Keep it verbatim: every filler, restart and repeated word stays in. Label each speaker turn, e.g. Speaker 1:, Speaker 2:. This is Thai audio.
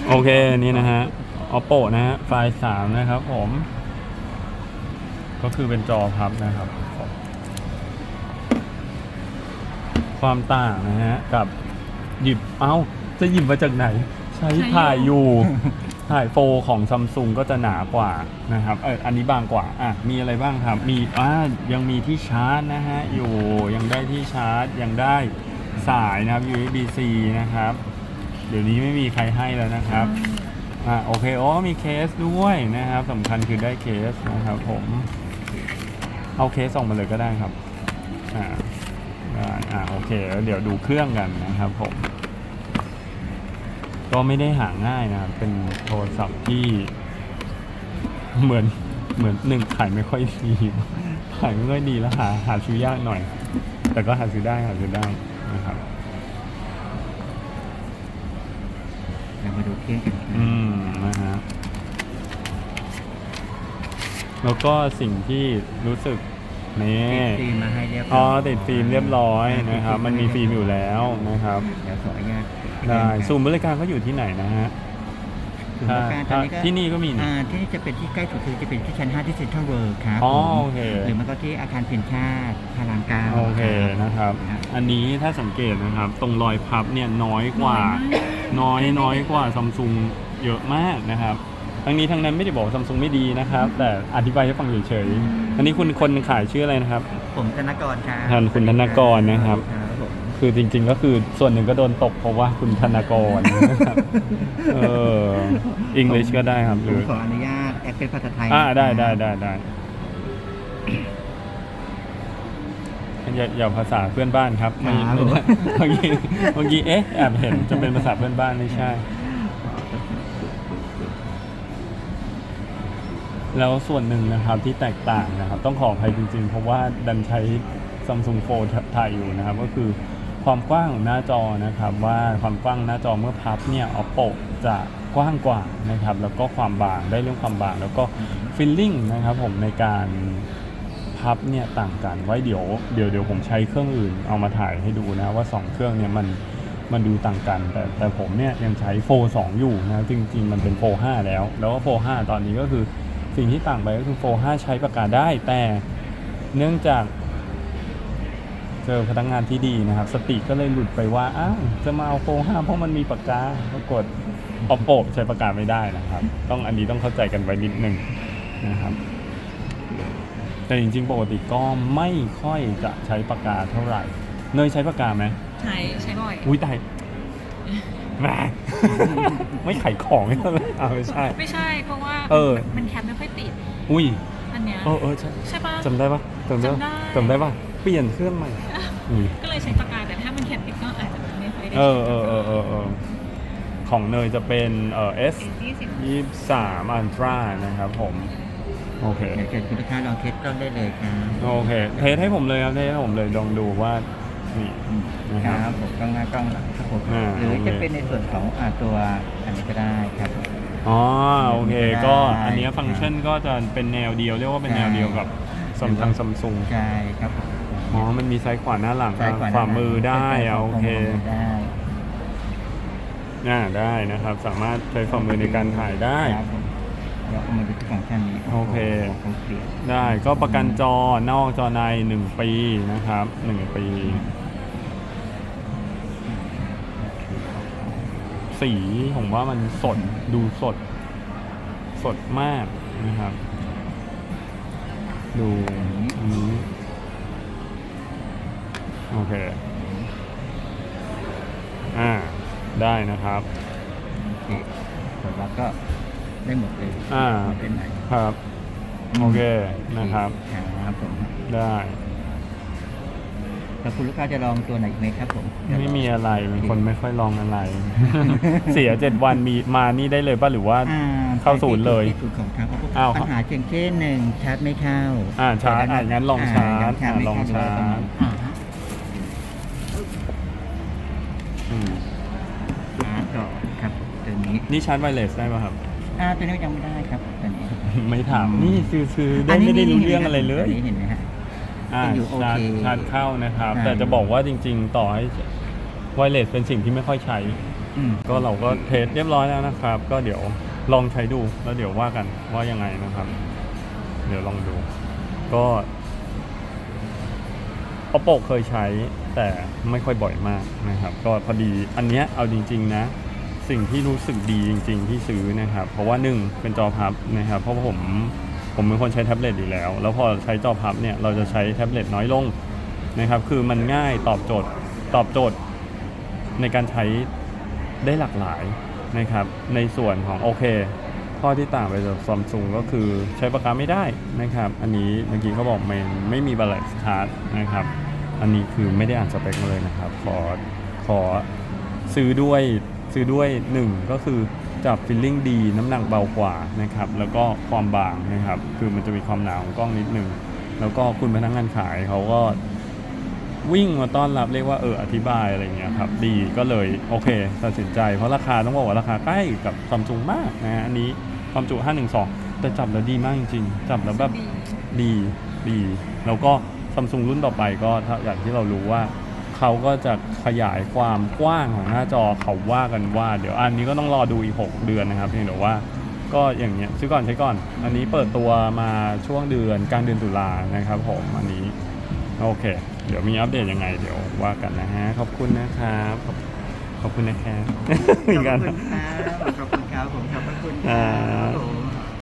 Speaker 1: โอเคนี่นะฮะ Oppo นะฮะไฟล์สามนะครับผมก็คือเป็นจอพับนะครับความต่างนะฮะกับหยิบเอ้าจะหยิบมาจากไหนใช้ถ่ายอยู่ถ่ายโฟของซัมซุงก็จะหนากว่านะครับเอออันนี้บางกว่าอ่ะมีอะไรบ้างครับมีอ่ายังมีที่ชาร์จนะฮะอยู่ยังได้ที่ชาร์จยังได้สายนะครับ ยู เอส บี ซี นะครับเดี๋ยวนี้ไม่มีใครให้แล้วนะครับอ่าโอเคโอ้มีเคสด้วยนะครับสำคัญคือได้เคสนะครับผมเอาเคสส่งมาเลยก็ได้ครับอ่าอ่าโอเคแล้วเดี๋ยวดูเครื่องกันนะครับผมก็ไม่ได้หาง่ายนะครับเป็นโทรศัพท์ที่เหมือนเหมือนหนึ่งขายไม่ค่อยดีขายไม่ค่อยดีแล้วหาหาซื้อยากหน่อยแต่ก็หาซื้อได้หาซื้อได้นะครับ
Speaker 2: เรามาดูเครื่องกัน
Speaker 1: อืมนะฮะแล้วก็สิ่งที่รู้สึกนี่
Speaker 2: ติดฟิล์มมาให้เรียบร้อย
Speaker 1: อ๋อติดฟิล์มเรียบร้อยนะครับมันมีฟิล์มอยู่แล้วนะครับ
Speaker 2: เดี๋ยวขออนุญาต
Speaker 1: ได้ศูนย์บริการเขาอยู่ที่ไหนนะฮะ
Speaker 2: ศูนย์บริการตอนนี้ก็
Speaker 1: ที่นี่ก็มี
Speaker 2: อ่าที่นี่จะเป็นที่ใกล้สุดคือจะเป็นที่ชั้นห้าที่เซ็นทรัลเวิลด์ครับ
Speaker 1: อ๋อโอเค
Speaker 2: หรือมันก็ที่อาคารเพียรชาติพารามเก้า
Speaker 1: โอเคนะครับอันนี้ถ้าสังเกตนะครับตรงรอยพับเนี่ยน้อยกว่าน้อยน้อยกว่าซัมซุงเยอะมากนะครับทั้งนี้ทั้งนั้นไม่ได้บอกซัมซุงไม่ดีนะครับแต่อธิบายให้ฟังเฉยๆอันนี้คุณคนขายชื่ออะไรนะครับ
Speaker 2: ผมธนกรครับ
Speaker 1: ท่านคุณธนกรนะครับคือจริงๆก็คือส่วนหนึ่งก็โดนตกเพราะว่าคุณธนกรนะครับเอออังกฤษก็ได้ครับหรือ
Speaker 2: ขออนุญาตแอดเป็นภาษาไทย
Speaker 1: อ่าได้ได้ได้ได้อย่าอย่าภาษาเพื่อนบ้านครับเมื่อกี้เมื่อกี้เอ๊ะแอบเห็นจะเป็นภาษาเพื่อนบ้านไม่ใช่แล้วส่วนหนึ่งนะครับที่แตกต่างนะครับต้องขออภัยจริงๆเพราะว่าดันใช้ Samsung Fold ถ่ายอยู่นะครับก็คือความกว้างของหน้าจอนะครับว่าความกว้างหน้าจอเมื่อพับเนี่ย Oppo จะกว้างกว่านะครับแล้วก็ความบางได้เรื่องความบางแล้วก็ Feeling นะครับผมในการพับเนี่ยต่างกันไว้เดี๋ยวเดี๋ยวเดี๋ยวผมใช้เครื่องอื่นเอามาถ่ายให้ดูนะว่าสองเครื่องเนี่ยมันมันดูต่างกันแต่แต่ผมเนี่ยยังใช้โฟร์สองอยู่นะจริงๆมันเป็นโฟร์ห้าแล้วแล้วก็โฟร์ห้าตอนนี้ก็คือสิ่งที่ต่างไปก็คือโฟร์ห้าใช้ปากกาได้แต่เนื่องจากเจอพนักงานที่ดีนะครับสติก็เลยหลุดไปว่าอ้าวจะมาเอาโฟร์ห้าเพราะมันมีปากกาปรากฏ Oppo ใช้ปากกาไม่ได้นะครับต้องอันนี้ต้องเข้าใจกันไว้นิดนึงนะครับแต่จริงๆปกติก็ไม่ค่อยจะใช้ปากกาเท่าไหร่เนยใช้ปากกาไหม
Speaker 3: ใช้ใช้บ่อย
Speaker 1: อุ้ยตายแม่ไม่ขายของให้เลยอ้าวไม่ใช่
Speaker 3: ไม่ใช่เพราะว่า
Speaker 1: เออ
Speaker 3: มันแคปไม่ค่อยติด
Speaker 1: อุ้ย
Speaker 3: อันเนี้ย
Speaker 1: เออเออใช่
Speaker 3: ใช่ปะ
Speaker 1: จำได้ปะจำได้จำได้ปะเปลี่ยนเครื่องใหม่
Speaker 3: ก็เลยใช้ปากกาแต่ถ้ามันแคปติดก็อาจจะไม่ค่อยได้
Speaker 1: เออเออเออเออเออของเนยจะเป็นเอ่อ เอส ยี่สิบสาม Ultra นะครับผมโอเค
Speaker 2: เดี๋ยวเชิญคุณลูกค้าลองเทสกล้องได้เลยครับ
Speaker 1: โอเคเทสให้ผมเลยครับเทสให้ผมเลยลองดูว่านี่
Speaker 2: นะครับผมกล้องหน้ากล้องหลังครับผมหรือจะเป็นในส่วนของอ่าตัวอันนี้ก็ได้ครับ
Speaker 1: อ๋อโอเคก็อันนี้ฟังก์ชันก็จะเป็นแนวเดียวเรียกว่าเป็นแนวเดียวกับซัมซุงซัมซุง
Speaker 2: ใช่ครับ
Speaker 1: อ๋อมันมีซ้ายขวาหน้าหลังขวามือได้โอเคน่าได้นะครับสามารถใช้ฝ่ามือในการถ่ายได้
Speaker 2: แล้วก็มาดูที่ฟังก์ชันนี้
Speaker 1: โอเคได้ก็ประกันจอนอกจอในหนึ่งปีนะครับหนึ่งปีสีผมว่ามันสดดูสดสดมากนะครับดูอันนี้โอเคอ่าได้นะครับ
Speaker 2: ผลลัพธ์ก็ได้หมดเลย
Speaker 1: อ่า
Speaker 2: เป็นไหน
Speaker 1: ครับโอเคนะครับ
Speaker 2: ครับผม
Speaker 1: ได้
Speaker 2: แล้วคุณลูกค้าจะลองตัวไหนไหมครับผม
Speaker 1: ไม่มีอะไรเป็นคนไม่ค่อยลองอะไรเสียเจ็ดวันมีมานี่ได้เลยป่ะหรือว่าเข้าศูนย์เลย
Speaker 2: ศูนย์ของทางเขาปัญหาเพียงแค่หนึ่งชาร์จไม่เข้า
Speaker 1: อ่าชาร์จอ่างั้นลองชาร์จลองชาร์จ
Speaker 2: ชาร์จก่อนครับตัวนี้
Speaker 1: นี่ชาร์จไวเลสได้ป่ะครับ
Speaker 2: อ่าตัวนี้ยังไม่ได้ครับตัวนี้
Speaker 1: ไม่ถามนี่ซื้อๆได้ไม่ได้รู้เรื่องอะไรเลย
Speaker 2: เห็นไหมฮะ
Speaker 1: อ่าชาร์จชาร์จเข้านะครับแต่จะบอกว่าจริงๆต่อให้ไวเลสเป็นสิ่งที่ไม่ค่อยใช้
Speaker 2: อืม
Speaker 1: ก็เราก็เทสเรียบร้อยแล้วนะครับ ก็เดี๋ยวลองใช้ดูแล้วเดี๋ยวว่ากันว่ายังไงนะครับ เดี๋ยวลองดู ก็ Oppo เคยใช้แต่ไม่ค่อยบ่อยมากนะครับ ก็พอดีอันเนี้ยเอาจริงๆนะ สิ่งที่รู้สึกดีจริงๆที่ซื้อนะครับ เพราะว่าหนึ่งเป็นจอพับนะครับ เพราะว่าผมผมเป็นคนใช้แท็บเล็ตอยู่แล้ว แล้วพอใช้จอพับเนี่ยเราจะใช้แท็บเล็ตน้อยลงนะครับ คือมันง่ายตอบโจทย์ตอบโจทย์ในการใช้ได้หลากหลายนะครับ ในส่วนของโอเค ข้อที่ต่างไปจากซัมซุงก็คือใช้ปากกาไม่ได้นะครับ อันนี้เมื่อกี้เขาบอกไม่ไม่มีบัลเลตชาร์จนะครับ อันนี้คือไม่ได้อ่านสเปคมาเลยนะครับ ขอขอซื้อด้วยซื้อด้วยหนึ่งก็คือจับฟิลลิ่งดีน้ำหนักเบากว่านะครับ แล้วก็ความบางนะครับ คือมันจะมีความหนาของกล้องนิดนึง แล้วก็คุณพนักงานขายเขาก็วิ่งมาต้อนรับเรียกว่าเอออธิบายอะไรอย่างเงี้ยครับดีก็เลยโอเคตัดสินใจเพราะราคาต้องบอกว่าราคาใกล้กับซัมซุงมากนะฮะอันนี้ความจุห้าหนึ่งสองแต่จับแล้วดีมากจริงๆจับแล้วแบบ ดีดีแล้วก็ซัมซุงรุ่นต่อไปก็ถ้าอย่างที่เรารู้ว่าเขาก็จะขยายความกว้างของหน้าจอเขาว่ากันว่า เดี๋ยวอันนี้ก็ต้องรอดูอีกหกเดือนนะครับเพียงแต่ว่าก็อย่างเงี้ยซื้อก่อนใช้ก่อน อันนี้เปิดตัวมาช่วงเดือนกลางเดือนตุลานะครับผมอันนี้โอเค เดี๋ยวมีอัปเดตยังไงเดี๋ยวว่ากันนะฮะขอบคุณนะครับขอบขอบคุณนะครับ
Speaker 2: ขอบคุณครับขอบคุณครับผมขอบพระคุณครับผม